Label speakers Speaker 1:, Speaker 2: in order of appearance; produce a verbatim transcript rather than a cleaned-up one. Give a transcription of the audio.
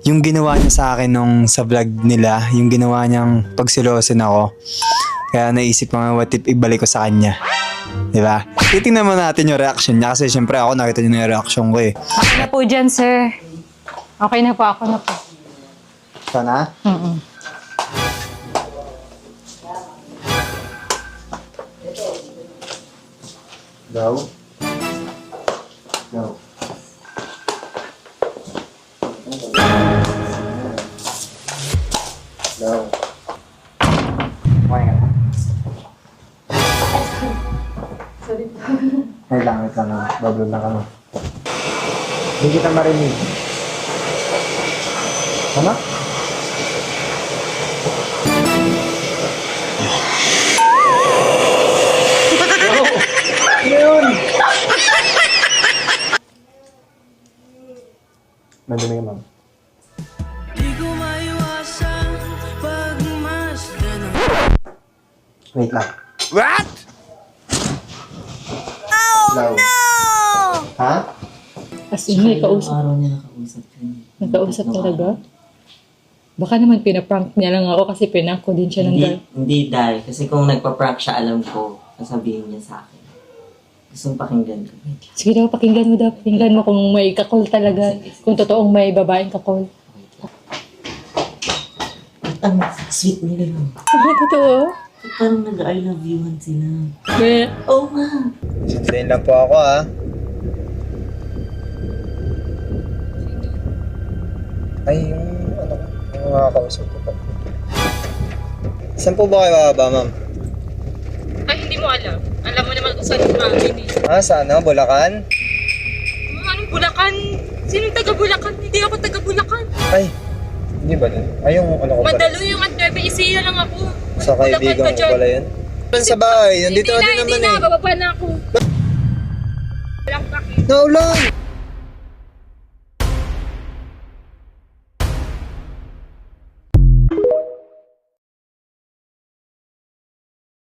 Speaker 1: yung ginawa niya sa akin nung sa vlog nila, yung ginawa niyang pagsilosin ako. Kaya naisip ko nga, what if ibalik ko sa kanya. Diba? Titingnan mo natin yung reaction niya kasi syempre ako nakita niyo na yung reaction ko eh.
Speaker 2: Okay na po dyan, sir. Okay na po, ako na po.
Speaker 1: Sana?
Speaker 2: Mm-mm.
Speaker 1: Daw? Daw. Daw. Okay ka na?
Speaker 2: Sorry po.
Speaker 1: Wait lang, wait lang. Bablo lang kami. Hindi kita marinig. Ano? Ano yun? Nandun yung ma'am. Wait lang.
Speaker 3: What?
Speaker 1: Oh no! Ha?
Speaker 2: As in, may kausap.
Speaker 4: Araw niya nakausap yun.
Speaker 2: Nakausap talaga? Baka naman pinaprank niya lang ako kasi pinank ko din siya ng
Speaker 4: Hindi,
Speaker 2: girl.
Speaker 4: hindi dahil. Kasi kung nagpa-prank siya, alam ko, sasabihin niya sa akin. Gusto mong pakinggan ko.
Speaker 2: Sige daw, pakinggan mo daw. Pakinggan mo kung may kakol talaga. Kung totoong may babaeng kakol.
Speaker 4: Ang sweet nila lang.
Speaker 2: Ah, totoo?
Speaker 4: Parang nag-I love you-han sila.
Speaker 2: Be.
Speaker 4: Oo nga.
Speaker 1: Sundayin lang po ako ha. Ay, yung ano ko, yung mga kausap ko pa. Saan po ba kayo bababa, ma'am?
Speaker 2: Ay, hindi mo alam. Alam mo naman kung saan yung amin eh.
Speaker 1: Ah, sa ano? Bulacan?
Speaker 2: Anong Bulacan? Sinong taga Bulacan? Hindi ako taga Bulacan.
Speaker 1: Ay, hindi ba nun? Ay, yung ano ko pala.
Speaker 2: Madalo yung at Nueva Ecija lang ako.
Speaker 1: Sa kaibigan ko pala yun. Sa bahay, nandito
Speaker 2: Hindi
Speaker 1: ka
Speaker 2: na,
Speaker 1: din
Speaker 2: hindi
Speaker 1: naman
Speaker 2: na.
Speaker 1: eh.
Speaker 2: Bababa na ako. Walang paki.
Speaker 1: Naulan!